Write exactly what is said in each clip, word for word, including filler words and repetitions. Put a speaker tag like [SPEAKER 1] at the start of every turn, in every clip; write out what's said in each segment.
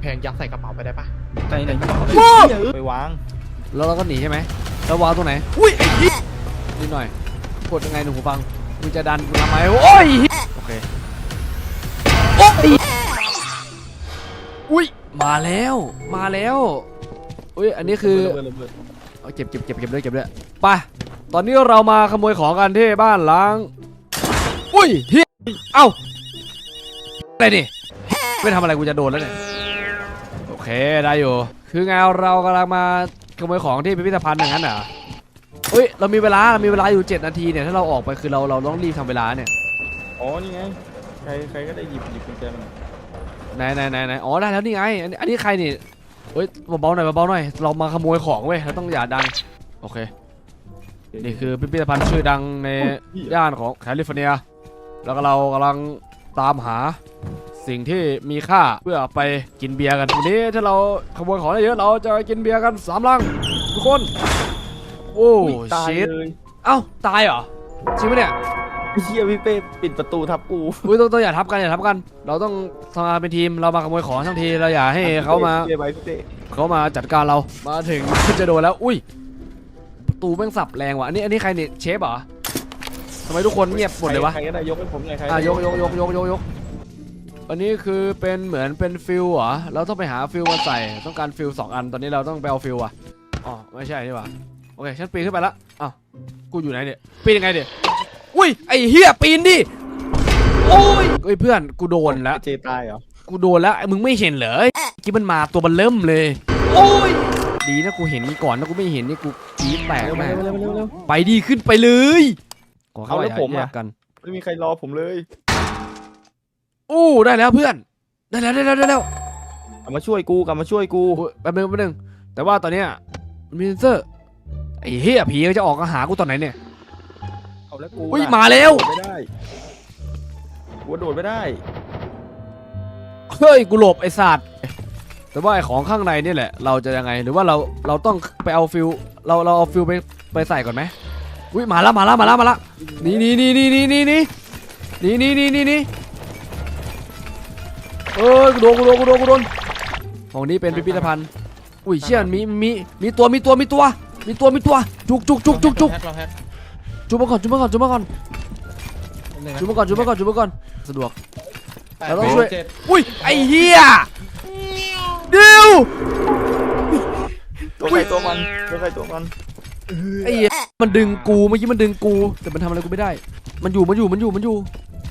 [SPEAKER 1] พงยัดใส่กระเป๋าไปได้ปะ
[SPEAKER 2] ใจไหนไปวาง
[SPEAKER 3] แล้วเราก็หนีใช่ไหมแล้ววางตรงไหนอุ้ยไอ้เหี้ยนิดหน่อยกดยังไงหนูหูฟังมึงจะดันกูทำไมโอ้ยโอเคโอ้ยอุ้ยมาแล้วมาแล้วอุ้ยอันนี้คือเอาเก็บเก็บเก็บเก็บด้วยเก็บด้วยไปตอนนี้เรามาขโมยของกันที่บ้านล้างอุ้ยเฮียเอ้าอะไรนี่ไม่ทำอะไรกูจะโดนแล้วเนี่ยโอเคได้อยู่คือไงเรากำลังมาขโมยของที่พิพิธภัณฑ์อย่างนั้นเหรอเฮ้ยเรามีเวลาเรามีเวลาอยู่เจ็ดนาทีเนี่ยถ้าเราออกไปคือเราเราต้องรีบทำเวลาเนี่ย
[SPEAKER 2] อ๋อนี่ไงใครใครก็ได้หยิบหยิบกุญแจมา
[SPEAKER 3] ไหนไหนไหนไหนอ๋อได้แล้วนี่ไงอันนี้อันนี้ใครนี่เฮ้ยเบาๆหน่อยเบาๆหน่อยเรามาขโมยของเว้ยเราต้องอย่าดังโอเคนี่คือพิพิธภัณฑ์ชื่อดังในย่านของแคลิฟอร์เนียแล้วก็เรากำลังตามหาสิ่งที่มีค่าเพื่อไปกินเบียร์กันวันนี้ถ้าเราขโมยของได้เยอะเราจะกินเบียร์กันสามลังทุกคนโอ้ชิตเอ้าตายเหรอจริงไหมเนี่ย
[SPEAKER 2] เฮียพี่เป้ปิดประตูทับกู
[SPEAKER 3] อุ้ยต้องต้องอย่าทับกันอย่าทับกันเราต้องทำงานเป็นทีมเรามาขโมยของทั้งทีเราอย่าให้เขามาเขามาจัดการเรามาถึงจะโดนแล้วอุ้ยประตูแม่งสับแรงว่ะอันนี้อันนี้ใครเนี่ยเชฟเหรอทำไมทุกคนเงียบหมดเลยวะ
[SPEAKER 2] ใครก็ได้ยกให้ผมเลยใคร
[SPEAKER 3] อ่ะยกยกยกยกยกยกอันนี้คือเป็นเหมือนเป็นฟิลเหรอเราต้องไปหาฟิลมาใส่ต้องการฟิลสองอันตอนนี้เราต้องไปเอาฟิลอ่ะอ๋อไม่ใช่นี่หว่าโอเคฉันปีนขึ้นไปละอ้าวกูอยู่ไหนเนี่ยปีนยังไงเนี่ยอุ้ยไอ้เฮียปีนดิโอ้ยเอ้ยเพื่อนกูโดนแล้ว
[SPEAKER 2] เจตายเหรอ
[SPEAKER 3] กูโดนแล้วมึงไม่เห็นเหรอกี้มันมาตัวมันเริ่มเลยโอ้ยดีนะกูเห็นก่อนนะกูไม่เห็นนี่กูจี๊ดแตกแม่ไปดีขึ้นไปเลยขอเข้าไปผมกัน
[SPEAKER 2] ไม่มีใครรอผมเลย
[SPEAKER 3] โอ้ได้แล้วเพื่อนได้แล้วได้แล้วได้แล้ว
[SPEAKER 2] กลับมาช่วยกูกลับมาช่วยกู
[SPEAKER 3] แป๊บนึงแป๊บนึงแต่ว่าตอนเนี้ยมีเซนเซอร์ไอ้เหี้ยผีจะออกมาหากูตอนไหนเนี่ย
[SPEAKER 2] เอาแล้วกู
[SPEAKER 3] อุ้ยมาแล้ว
[SPEAKER 2] ไม่ได้กูโดดไม่ได้
[SPEAKER 3] เฮ้ยกูหลบไอ้สัตว์แต่ว่าไอ้ของข้างในนี่แหละเราจะยังไงหรือว่าเราเราต้องไปเอาฟิลเราเราเอาฟิลไปไปใส่ก่อนไหมอุ้ยมาแล้วมาแล้วมาแล้วมาแล้วนี่นี่นี่นี่นี่นี่นี่นี่นี่นี่นี่นี่เออกูโดนกูโดนกูโดนกูโดนของนี้เป็นพิพิธภัณฑ์อุ้ยเชี่ยมีมีมีตัวมีตัวมีตัวมีตัวมีตัวจุกจุกจุกจุกจุกจุกมาก่อนจุกมาก่อนจุกมาก่อนจุกมาก่อนจุกมาก่อนจุกมาก่อนสะดวกเราต้องช่วยอุ้ยไอ้เหี้ยเดี๋ยว
[SPEAKER 2] ตัวใครตัวมันตัวใครตัวมัน
[SPEAKER 3] ไอ้เหี้ยมันดึงกูเมื่อกี้มันดึงกูแต่มันทำอะไรกูไม่ได้มันอยู่มันอยู่มันอยู่มันอยู่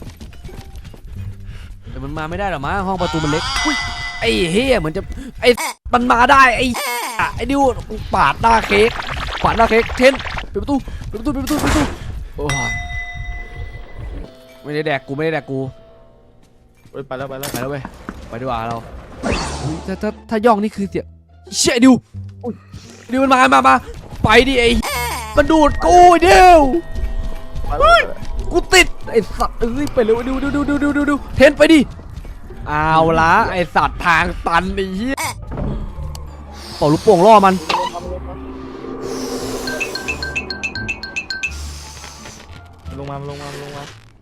[SPEAKER 3] แต่มันมาไม่ได้หรอมั้งห้องประตูมันเล็กอุ้ยไอ้เหี้ยเหมือนจะไอ้มันมาได้ไอ้ไอ้ดิวกูปาดหน้าเค้กปาดหน้าเค้กเทนปิดประตูปิดประตูปิดประตูปิดประตูโอ้ยไม่ได้แดกกูไม่ได้แดกกู
[SPEAKER 2] ไปแล้วไปแล้ว
[SPEAKER 3] ไปแล้วเว้ยไปดีกว่าเราถ้าถ้าถ้าย่องนี่คือเสียเชี่ยดิวดิวมันมามามาไปดิไอ้มันดูดกูเดียวกูติดไอ้สัตว์เอ้ยไปเร็วดิวดิวดิวดิวดิวดิวดิวเทนไปดิเอาละไอ้สัตว์ทางตันไอ้เหี้ยเป่าลูกโป่งล่อมัน
[SPEAKER 2] ลงมาลงมาลงมา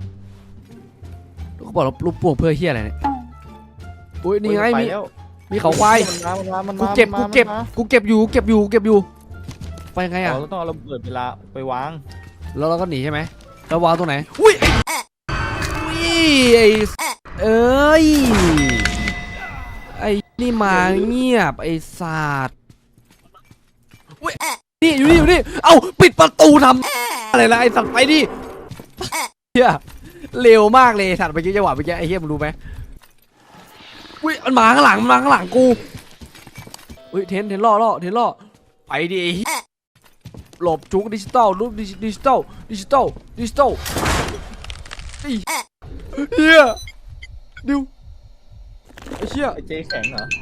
[SPEAKER 3] เขาบอกลูกโป่งเพื่อเหี้ยอะไรเนี่ยอุ้ยนี่ไงมีมีเขาควายกูเก็บกูเก็บกูเก็บอยู่เก็บอยู่เก็บอยู่ไปไงอ่ะ
[SPEAKER 2] เราต้องเอาระเบิดเวลาไปวาง
[SPEAKER 3] แล้วเราก็หนีใช่ไหมแล้ววางตรงไหนอุ้ยอุ้ยไอ้เอ้ยไอ้นี่มาเงียบไอ้สัตว์อุ้ยนี่อยู่นี่อยู่นี่เอ้าปิดประตูทำอะไรล่ะไอ้สัตว์ไปดิเฮียเร็วมากเลยสัตว์ไปกี้จังหวะไปกี้ไอ้เฮียมึงรู้ไหมอุ้ยมันมาข้างหลังมันมาข้างหลังกูอุ้ยเทนเทนล่อล่อเทนล่อไปดิหลบจุกดิจิตอลรูปดิจิตอลดิจิตอลดิจิตอลไอ้เฮียดิวไอ้เชี่ย
[SPEAKER 2] ไอ้เจ๊แข็งเหรอ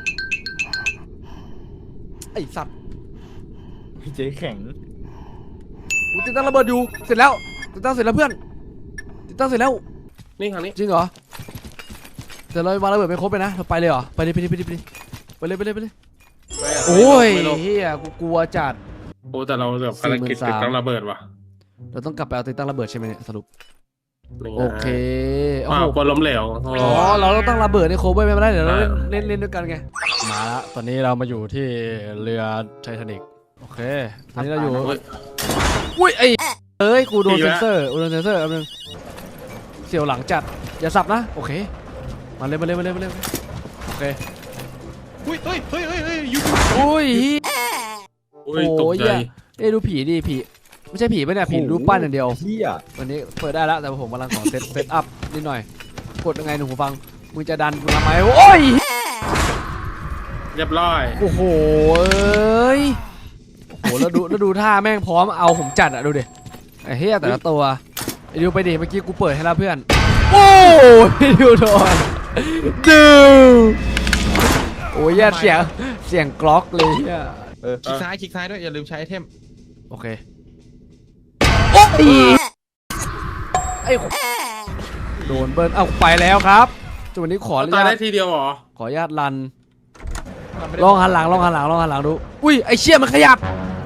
[SPEAKER 3] ไอ้สัตว์
[SPEAKER 2] ไอ้เจ๊แข็ง
[SPEAKER 3] กูติดตั้งระเบิดอยู่เสร็จแล้วติดตั้งเสร็จแล้วเพื่อนติดตั้งเสร็จแล้ว
[SPEAKER 1] นี่ครั้งนี้
[SPEAKER 3] จริงเหรอแต่เราวางระเบิดไปครบไปนะเราไปเลยเหรอไปเลยไปเลยไปเลยไปเลยไปเลยไปเลยโอ้ยเฮียกูกลัวจัด
[SPEAKER 1] โอ้แต่เราแบบภารกิจติดตั้งระเบิดว่ะ
[SPEAKER 3] เราต้องกลับไปเอาติดตั้งระเบิดใช่ไหมเนี่ยสรุป
[SPEAKER 1] นี่ไง
[SPEAKER 3] โอเคโอ้
[SPEAKER 1] อ้า
[SPEAKER 3] โห
[SPEAKER 1] วกลัวล้มเหลว
[SPEAKER 3] อ๋อเราต้องตั้งระเบิดในโคเวอร์ไม่ได้เดี๋ยวเราเล่นเล่นเล่นด้วยกันไงมาละตอนนี้เรามาอยู่ที่เรือไททานิกโอเคตอนนี้เราอยู่
[SPEAKER 1] เฮ้ย
[SPEAKER 3] อุ้ยไอ้เอ้ยกูโดนเซนเซอร์กูโดนเซนเซอร์แป๊บนึงเสียวหลังจัดอย่าสับนะโอเคมาเลยมาเลยมาเลยมาเลยโอเค
[SPEAKER 4] อุ้ยเฮ้ยเฮ้ยเฮ้ยเฮ้ยยู
[SPEAKER 3] อุ้ย
[SPEAKER 1] อุ้ยตกใจ
[SPEAKER 3] เอ้ยดูผีดิผีไม่ใช่ผีปะเนี่ยผีรูปปั้นอย่างเดียว
[SPEAKER 2] เฮีย
[SPEAKER 3] วันนี้เปิดได้แล้วแต่ผมกำลังขอเซตเซตอัพนิดหน่อยกดยังไงหนูหูฟังมึงจะดันกูทำไมโอ้ย
[SPEAKER 1] เรียบร้อย
[SPEAKER 3] โอ้โหเอ้ยโอ้โหแล้วดูแล้วดูท่าแม่งพร้อมเอาผมจัดอะดูดิไอ้เฮียแต่ละตัวไอ้ดิวไปดิเมื่อกี้กูเปิดให้แล้วเพื่อนโอ้ยดิวโดนดิวโอ้ยเสียงเสียงกล็อกเลยเฮีย
[SPEAKER 2] เออ
[SPEAKER 4] คลิกซ้ายคลิกซ้ายด้วยอย่าลืมใช้ไอเทม
[SPEAKER 3] โอเคโอ้ยไอ้โดนเบิร์นเอาไปแล้วครับจุดวันนี้ขออนุ
[SPEAKER 1] ตาย
[SPEAKER 3] ญา
[SPEAKER 1] ได้
[SPEAKER 3] ต
[SPEAKER 1] ทีเดียวเหรอ
[SPEAKER 3] ขออนุญาตรันลองหันหลังลองหันหลังลองหันหลังดูอุ้ยไอ้เชี่ยมันขยับ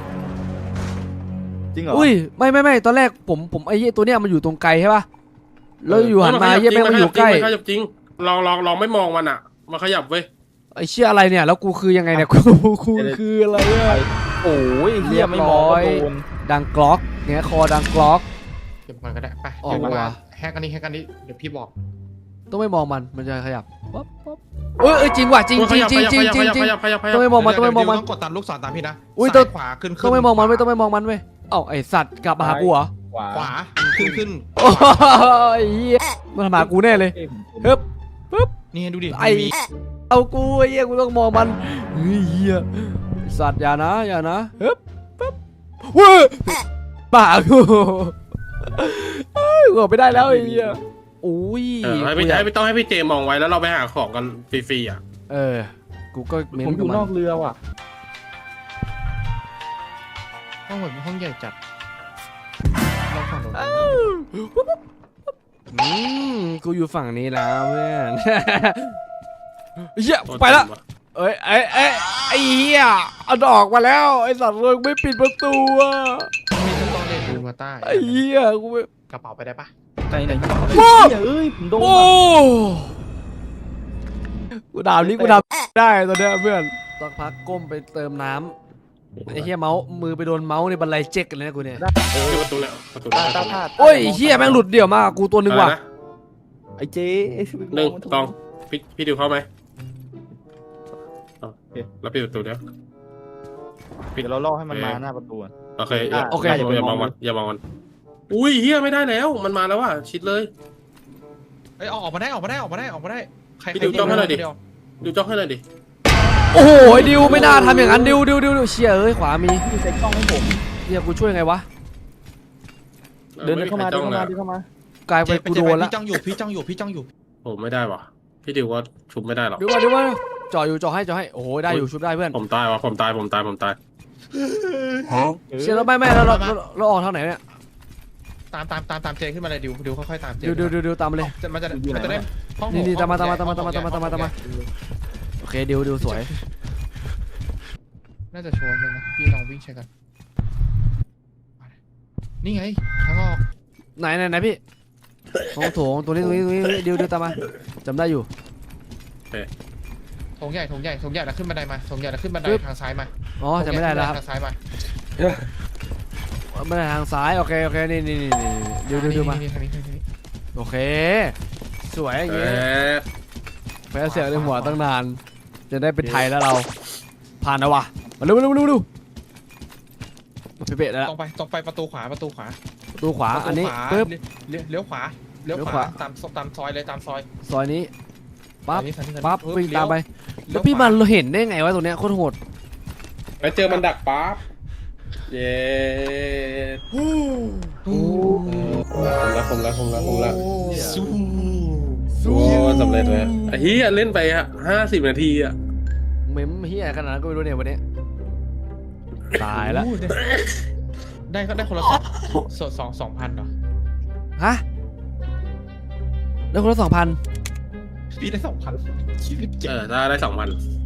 [SPEAKER 2] จริงเหรอ
[SPEAKER 3] อุ้ยไม่ไม่ไม่ตอนแรกผมผมไอ้เหี้ยตัวเนี้ยมันอยู่ตรงไกลใช่ป่ะแล้วอยู่หันมาเหี้ยแม่งมันอยู่ใกล้
[SPEAKER 1] มันขยับจริงลองลองลองไม่มองมันอ่ะมันขยับเว้ย
[SPEAKER 3] ไอ้เชี่ยอะไรเนี่ยแล้วกูคือยังไงเนี่ยกูกูคืออะไรอะ
[SPEAKER 2] โอ้ยเฮียไม่มองก็โดน
[SPEAKER 3] ดังกล็อกเนี่ยคอดังกล็อก
[SPEAKER 4] เก็บมันก็ได้ไป
[SPEAKER 3] ออก
[SPEAKER 4] เดี๋ยว
[SPEAKER 3] มา
[SPEAKER 4] มาแฮกอันนี้แฮกอันนี้เดี๋ยวพี่บอก
[SPEAKER 3] ต้องไม่มองมันมันจะขยับป๊บป๊บเอ้ยเอ้ยจริงว่ะจริงจริงจริงจริงจริงจริง
[SPEAKER 1] ขยับขยับขยับ
[SPEAKER 3] ต้องไม่มองมันต้องไม่มองมัน
[SPEAKER 4] เดี๋ยวต้องกดตามลูกศรตามพี่นะ
[SPEAKER 3] อุ้ย
[SPEAKER 4] ซ้า
[SPEAKER 3] ต้อง
[SPEAKER 4] ขวาขึ้นขึ้น
[SPEAKER 3] ต้องไม่มองมันไม่ต้องไม่มองมันเว้ยเอ้าไอสัตว์กลับมาหากูเหรอ
[SPEAKER 2] ขวา
[SPEAKER 4] ขวาขึ้นขึ้น
[SPEAKER 3] โอ้ยเหี้ยมันมาหากูแน่เลย
[SPEAKER 2] เอ้ยผม
[SPEAKER 3] เฮ้ย
[SPEAKER 4] นี่ดูดิ
[SPEAKER 3] ไอ้
[SPEAKER 4] มี
[SPEAKER 3] เอากูไอ้เหี้ยกูต้องมองมันเฮ้ยเหี้ยไอ้สัตว์อย่านะอย่านะเฮ้ยปึ๊บเว้ยป่ากูเฮ้ยกูออกไปได้แล้วไอ้เหี้ยอุ้ย
[SPEAKER 1] เออให้พี่ให้พี่ต้องให้พี่เจมองไว้แล้วเราไปหาของกันฟรีๆอ่ะ
[SPEAKER 3] เออกูก็เม้
[SPEAKER 2] ผม
[SPEAKER 3] น
[SPEAKER 2] อ
[SPEAKER 3] กับ
[SPEAKER 2] ยู่
[SPEAKER 3] มัน
[SPEAKER 2] นอกเรือว่ะ
[SPEAKER 4] ห้องเหมือนห้องใหญ่จัดลองฝั่งตรง
[SPEAKER 3] อืมกูอยู่ฝั่งนี้แล้วเพื่อน เหี้ยไปละเอ้ยไอ้ไอ้ไอ้เหี้ยเอาดอกมาแล้วไอ้สัตว์เลยไม่ปิดประตูอ่ะ
[SPEAKER 4] มีทั้งตอนเรียนดูมาใต้
[SPEAKER 3] ไอ้เหี้ยกูไม่
[SPEAKER 4] กระเป๋าไปได้ปะ
[SPEAKER 2] ใจไหนเฮี
[SPEAKER 3] โอ้
[SPEAKER 2] ยเอ้ยผมโดน
[SPEAKER 3] โอ้
[SPEAKER 2] อะ
[SPEAKER 3] กูด่านี้กูด่าได้ตอนเนี้ยเพื่อนสักพักก้มไปเติมน้ำไอ้เหี้ยเมาส์มือไปโดนเมาส์ในบันไลเจ๊กกันเลยนะกูเนี่ย
[SPEAKER 2] เออ
[SPEAKER 1] อยู่ประตูแล้วประตู
[SPEAKER 2] ตา
[SPEAKER 1] แล้ว
[SPEAKER 2] ตาตา
[SPEAKER 3] โอ้ยเหี้ยแม่งหลุดเดี่ยวมากกูตัวหนึ่งว่ะ
[SPEAKER 2] ไอ้เจ๊ไอ้
[SPEAKER 1] หนึ่งสองพี่พี่ดิวเข้าไหมแล้วปิดประตูเดี๋ยว
[SPEAKER 2] เดี๋ยวเราล่อให้มันมาหน้าประตูอะ
[SPEAKER 1] โอเค
[SPEAKER 2] อ่ะ
[SPEAKER 3] โอเค
[SPEAKER 1] อย่ามองมันอย่ามองมันอุ้ยเฮียไม่ได้แล้วมันมาแล้วว่ะชิดเลย
[SPEAKER 4] เอ้ยออกมาได้ออกมาได้ออกมาได้ออกมาได้ใคร
[SPEAKER 1] พี่ดิวจ้องให้หน่อยดิ
[SPEAKER 4] เว
[SPEAKER 1] ดูจ้องให้หน่อยดิ
[SPEAKER 3] โอ้โหดิวไม่น่าทำอย่างนั้นดิวดิวดิวดิวเชี่ยเอ้ยขวามี
[SPEAKER 2] พี่เซ็ตกล้องให้ผม
[SPEAKER 3] เหี้ยกูช่วยไงวะ
[SPEAKER 2] เดินเข้ามาเดินเข้ามาเดินเข้ามาก
[SPEAKER 3] ลาย
[SPEAKER 4] เจ๊
[SPEAKER 3] เป็น
[SPEAKER 4] ไป
[SPEAKER 3] กู
[SPEAKER 4] เจ๊
[SPEAKER 3] โด
[SPEAKER 4] ไป
[SPEAKER 3] นละ
[SPEAKER 4] พี่จ้องอยู่พี่จ้องอยู่พี่จ้องอยู่
[SPEAKER 1] ผมไม่ได้ว่ะพี่ดิวก็ชุบไม่ได้หรอก
[SPEAKER 3] ดิวมาดิวมาจ่ออยู่จ่อให้จ่อให้โอ้โหได้อยู่ชุบได้เพื่อน
[SPEAKER 1] ผมตายว่ะผมตายผมตายผมตาย
[SPEAKER 2] เออ
[SPEAKER 3] เชี่ยแล้วไม่ไม่แล้วเราเราเราออกทางไหนเนี่ย
[SPEAKER 4] ตามตามตามตามเจขึ้นมาเลยดิวดิวค่อยๆตามเจ
[SPEAKER 3] ดิวดิวดิวดิวตามมาเลย
[SPEAKER 4] จะมันจะมันจะได้ห้อง
[SPEAKER 3] นี่นี่
[SPEAKER 4] ห้อง
[SPEAKER 3] ตามมาตามมา
[SPEAKER 4] ใหญ่
[SPEAKER 3] ตามมาตามมา
[SPEAKER 4] ห้อง
[SPEAKER 3] ตามมาตามมา
[SPEAKER 4] ใหญ่
[SPEAKER 3] โอเคดิวดิวสวย
[SPEAKER 4] น่าจะโชว์เลยนะพี่ลองวิ่งเช็คกันนี่ไงทางออก
[SPEAKER 3] ไหนไหนไหนพี่ห้องโถงตัวนี้ตัวนี้ตัวนี้ดิวดิวตามมาจำได้อยู่
[SPEAKER 4] โถงใหญ่โถงใหญ่โถงใหญ่แล้วขึ้นบันไดมาโถงใหญ่แล้วขึ้นบันได
[SPEAKER 3] ปึ๊บ
[SPEAKER 4] ทางซ้ายมา
[SPEAKER 3] อ๋อจำไม่ได้แล้วครับ
[SPEAKER 4] ทางซ้ายมา
[SPEAKER 3] ไม่ได้ทางซ้ายโอเคโอเคนี่นี่นี่นี่ดิวดิวดิวมา
[SPEAKER 4] นี่ทางนี้ทางนี้
[SPEAKER 3] โอเค สวยอย่าง
[SPEAKER 1] เอ
[SPEAKER 3] เงี้ย
[SPEAKER 1] อ
[SPEAKER 3] แพ้เสียงในหัวตั้งนาน จะได้เป็นไทยแล้วเรา ผ่านแล้ววะมาเร็วเร็วเร็วเร็วมาเป๊ะๆแล้ว
[SPEAKER 4] ตรงไปตรงไปประตูขวาประตูขวา
[SPEAKER 3] ประตูขวา
[SPEAKER 4] ประตู
[SPEAKER 3] อันนี้
[SPEAKER 4] ขวา
[SPEAKER 3] ปึ๊บ
[SPEAKER 4] เลี้ยวเลี้ยวขวาเลี้ยว
[SPEAKER 3] เลี้ยว
[SPEAKER 4] ข
[SPEAKER 3] ขวา
[SPEAKER 4] วาตามตามซอยเลยตามซอย
[SPEAKER 3] ซอยนี้ปั๊บ
[SPEAKER 4] ซอยนี้ซอยนี้
[SPEAKER 3] ปั๊บ
[SPEAKER 4] ปึ๊
[SPEAKER 3] วิ่งตามไป
[SPEAKER 4] เลี้
[SPEAKER 3] แล้ว
[SPEAKER 4] ยว
[SPEAKER 3] พี่
[SPEAKER 4] ขวา
[SPEAKER 3] มันเห็นได้ไงวะตัวเนี้ยโคตรโหด
[SPEAKER 1] ไปเจอมันดักปั๊บเย้
[SPEAKER 3] โอ้
[SPEAKER 1] ผมละผมละผมละผมละ
[SPEAKER 4] สู้
[SPEAKER 1] โอ้สำเร็จเลยไอ้เฮียเล่นไปฮะห้าสิบนาทีอ่ะ
[SPEAKER 3] เมมเฮียขนาดนั้นก็ไม่รู้เนี่ยวันนี้ตายแล้ว
[SPEAKER 4] โอ้ได้ได้ก็ได้คนละสองสดสองสองพันเหรอ
[SPEAKER 3] ฮะแล้วคนละสองพัน
[SPEAKER 4] พี่ได้สองพันยี่สิบเจ็
[SPEAKER 1] เอ
[SPEAKER 4] ด
[SPEAKER 1] อได้ได้สองพัน